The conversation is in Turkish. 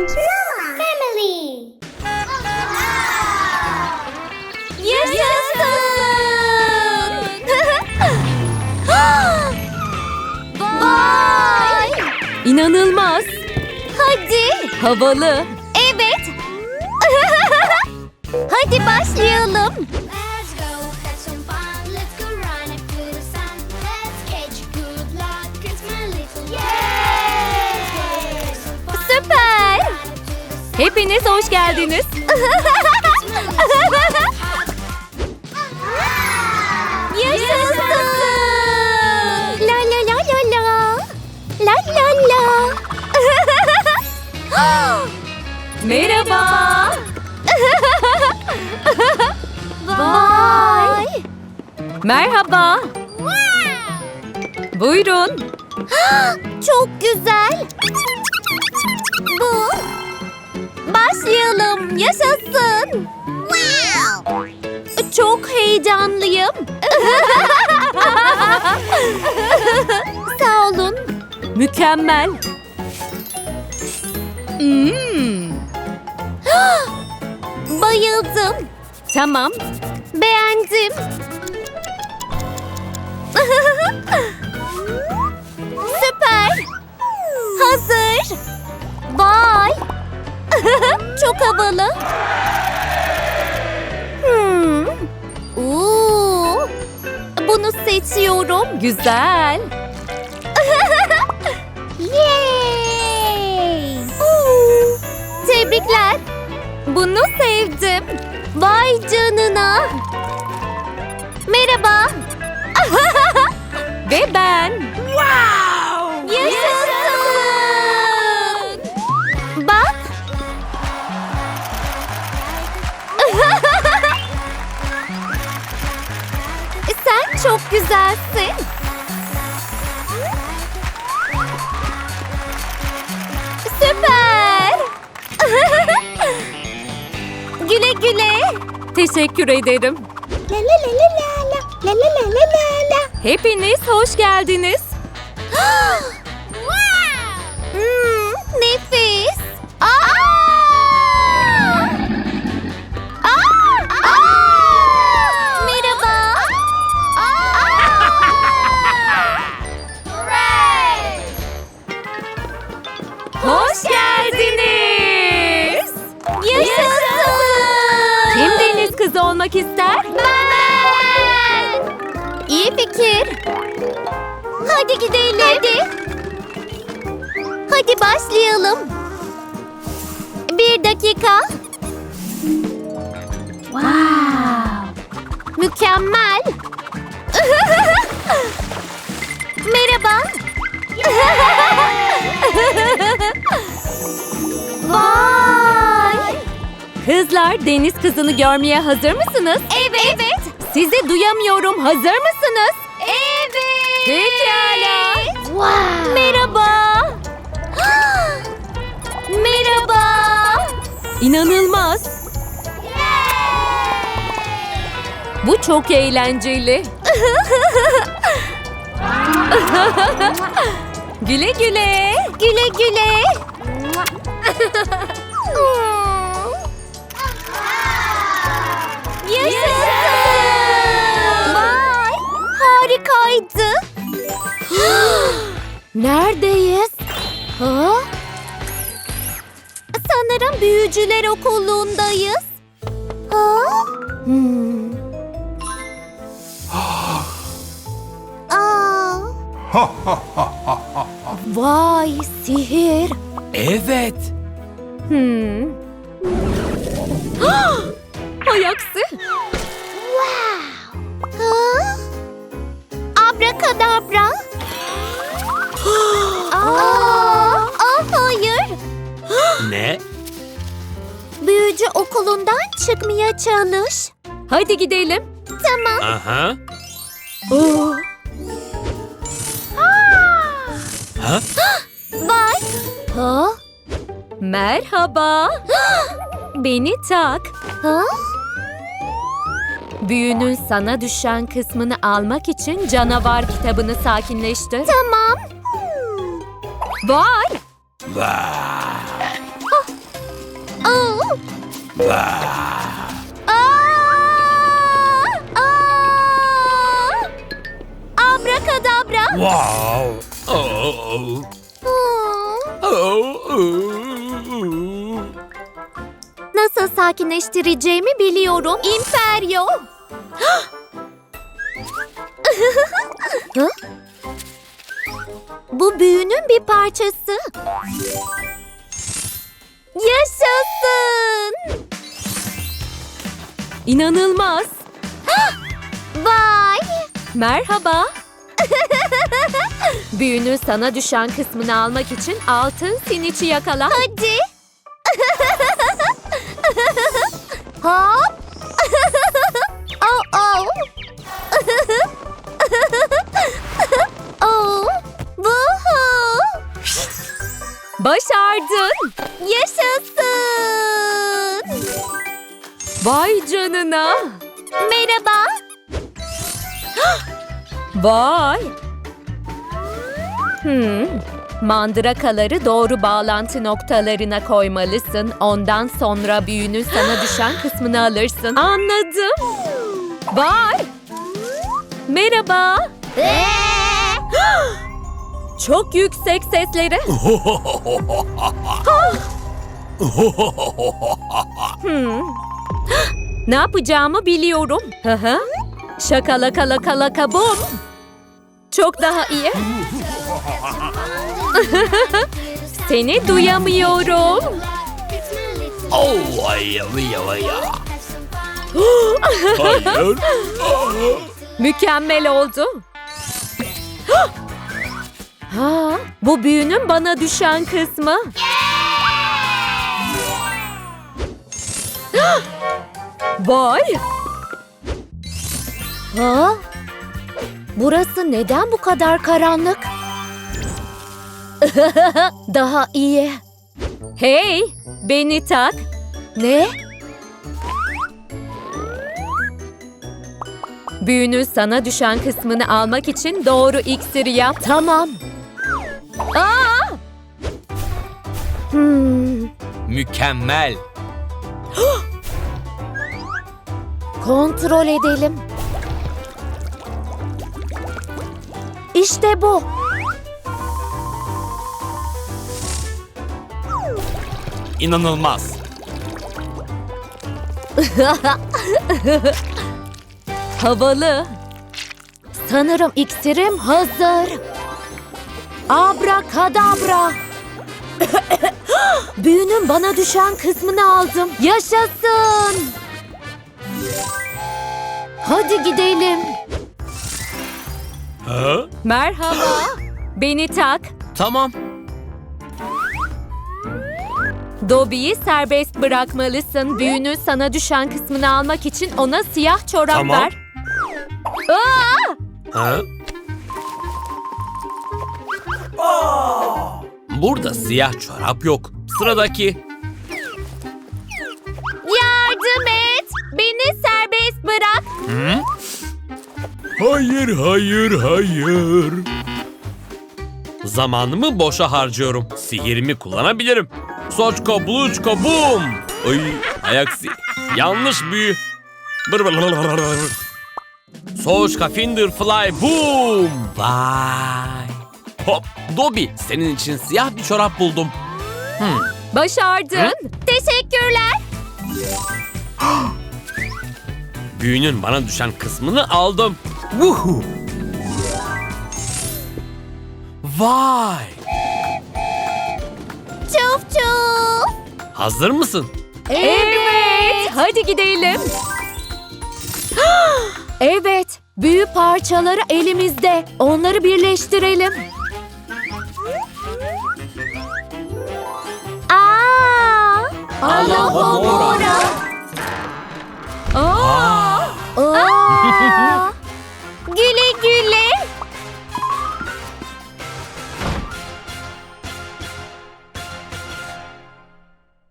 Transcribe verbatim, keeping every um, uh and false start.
and Mama Family. Yaşasın! Vay! İnanılmaz. Hadi. Havalı. Evet. Hadi başlayalım. Let's go have some fun. Let's go run into the sun. Let's catch good luck. It's my little Yay! Süper. Hepiniz hoş geldiniz. Yaşasın! La la la la la. La la la. Merhaba. Vay. Merhaba. Buyurun. Çok güzel. Bu. Başlayalım. Yaşasın. Wow. Çok heyecanlıyım. Sağ olun. Mükemmel. Hmm. Bayıldım. Tamam. Beğendim. Süper. Hazır. Vay. Çok havalı. Hmm. Oo. Bunu seçiyorum. Güzel. Yay! Oo. Tebrikler. Bunu sevdim. Vay canına. Merhaba. Ve ben. Wow! Yaşasın! Bak. Sen çok güzelsin. Süper. Güle güle. Teşekkür ederim. La la la la la la la la la la la. Hepiniz hoş geldiniz. Hmm, nefis. Aa! Aa! Aa! Merhaba. Hoş geldiniz. Yaşasın. Kim deniz kızı olmak ister? Ben. İyi fikir. Hadi gidelim. Hadi. Hadi başlayalım. Bir dakika. Wow. Mükemmel. Merhaba. Vay. Kızlar, deniz kızını görmeye hazır mısınız? Evet. Evet. Sizi duyamıyorum. Hazır mısınız? Evet. Pekala. Wow. Merhaba. Merhaba. İnanılmaz. Bu çok eğlenceli. Güle güle. Güle güle. Yaşasın. Vay. Harikaydı. Neredeyiz? Ha? Sanırım büyücüler okulundayız. Ha? Hmm. Aa. Vay, sihir. Evet. Hmm. Hay aksi. Wow. Ha? Abrakadabra. Aa, aa, hayır. Ne? Büyücü okulundan çıkmaya çalış. Hadi gidelim. Tamam. Aha. Oo. Ha? Vay. Ha? Merhaba. Beni tak. Ha? Büyünün sana düşen kısmını almak için canavar kitabını sakinleştir. Tamam. Vay! Vay. Aa! Aa! Abrakadabra. Wow. Oh. Oh. Oh. Nasıl sakinleştireceğimi biliyorum. İmperyo. Hı? Bu büyünün bir parçası. Yaşasın. İnanılmaz. Vay. Merhaba. Büyünün sana düşen kısmını almak için altın siniçi yakala. Hadi. Hop. Oh oh. Oh. Vuhu. Başardın. Yaşasın. Vay canına. Merhaba. Vay. Hmm. Mandırakaları doğru bağlantı noktalarına koymalısın. Ondan sonra büyünün sana düşen kısmını alırsın. Anladım. Vay. Merhaba. Çok yüksek sesleri. Hmm. Ne yapacağımı biliyorum. Hı hı. Şakalaka laka laka bum. Çok daha iyi. Seni duyamıyorum. Oh. Ay ay ay. Hayır. Mükemmel oldu. Ha, bu büyünün bana düşen kısmı. Vay. Ha? Burası neden bu kadar karanlık? Daha iyi. Hey, beni tak. Ne? Büyünün sana düşen kısmını almak için doğru iksiri yap. Tamam. Aa! Hmm. Mükemmel. Kontrol edelim. İşte bu. İnanılmaz. Havalı. Sanırım iksirim hazır. Abrakadabra. Büyünün bana düşen kısmını aldım. Yaşasın. Hadi gidelim. Ha? Merhaba. Beni tak. Tamam. Dobby'yi serbest bırakmalısın. Büyünün sana düşen kısmını almak için ona siyah çorap Tamam. ver. Aa! Ha? Burada siyah çorap yok. Sıradaki. Yardım et. Beni serbest bırak. Hı? Hayır, hayır, hayır. Zamanımı boşa harcıyorum. Sihirimi kullanabilirim. Soçko, bluçko, bum. Ay, ayaksi. Yanlış büyü. Bır bır bır bır bır. Soçka, finger, fly, boom. Vay. Hop, Dobby, senin için siyah bir çorap buldum. Hmm. Başardın. Hı? Teşekkürler. Büyünün bana düşen kısmını aldım. Vuhu. Vay. Çuf çuf. Hazır mısın? Evet. Hadi gidelim. Evet. Büyü parçaları elimizde. Onları birleştirelim. Aa! Alohomora. Aa!